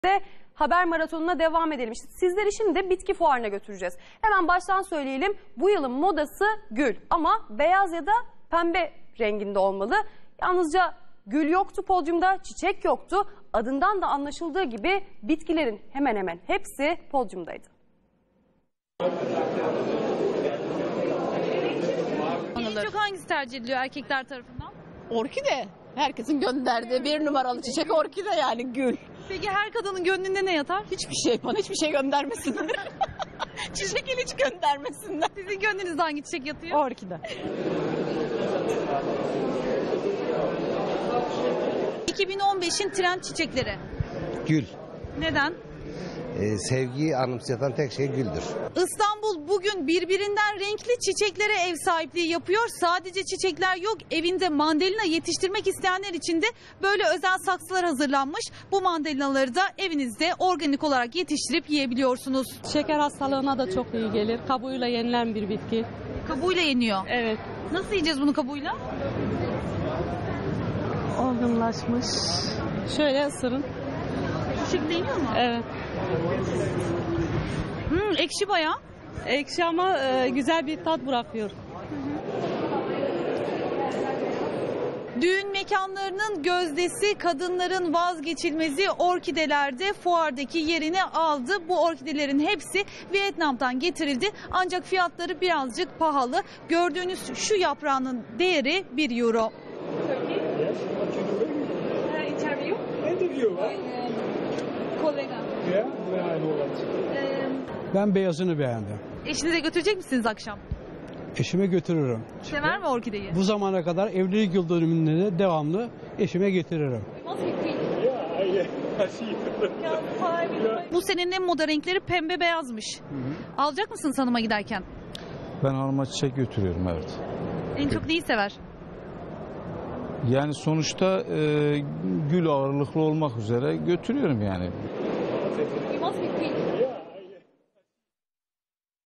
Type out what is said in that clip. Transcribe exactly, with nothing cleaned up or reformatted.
de haber maratonuna devam edelim. İşte sizleri şimdi bitki fuarına götüreceğiz. Hemen baştan söyleyelim. Bu yılın modası gül ama beyaz ya da pembe renginde olmalı. Yalnızca gül yoktu podyumda, çiçek yoktu. Adından da anlaşıldığı gibi bitkilerin hemen hemen hepsi podyumdaydı. En çok hangisi tercih ediliyor erkekler tarafından? Orkide. Herkesin gönderdiği bir numaralı çiçek orkide, yani gül. Peki her kadının gönlünde ne yatar? Hiçbir şey, bana hiçbir şey göndermesinler. Çiçek hiç göndermesinler. Sizin gönlünüzde hangi çiçek yatıyor? Orkide. iki bin on beşin trend çiçekleri. Gül. Neden? Ee, sevgiyi anımsatan tek şey güldür. İstanbul bugün birbirinden renkli çiçeklere ev sahipliği yapıyor. Sadece çiçekler yok, evinde mandalina yetiştirmek isteyenler için de böyle özel saksılar hazırlanmış. Bu mandalinaları da evinizde organik olarak yetiştirip yiyebiliyorsunuz. Şeker hastalığına da çok iyi gelir. Kabuğuyla yenilen bir bitki. Kabuğuyla yeniyor. Evet. Nasıl yiyeceğiz bunu kabuğuyla? Olgunlaşmış. Şöyle ısırın. Bu şekilde yeniyor mu? Evet. Hmm, ekşi bayağı. Ekşi ama e, güzel bir tat bırakıyor. Düğün mekanlarının gözdesi, kadınların vazgeçilmezi orkidelerde fuardaki yerini aldı. Bu orkidelerin hepsi Vietnam'dan getirildi. Ancak fiyatları birazcık pahalı. Gördüğünüz şu yaprağının değeri bir euro. Ben beyazını beğendim. Eşinize götürecek misiniz akşam? Eşime götürürüm. Sever mi orkideyi? Bu zamana kadar evlilik yıl dönümünde de devamlı eşime getiririm. Bu senenin en moda renkleri pembe beyazmış. Hı hı. Alacak mısın hanıma giderken? Ben hanıma çiçek götürüyorum, evet. En çok neyi sever? Yani sonuçta e, gül ağırlıklı olmak üzere götürüyorum yani.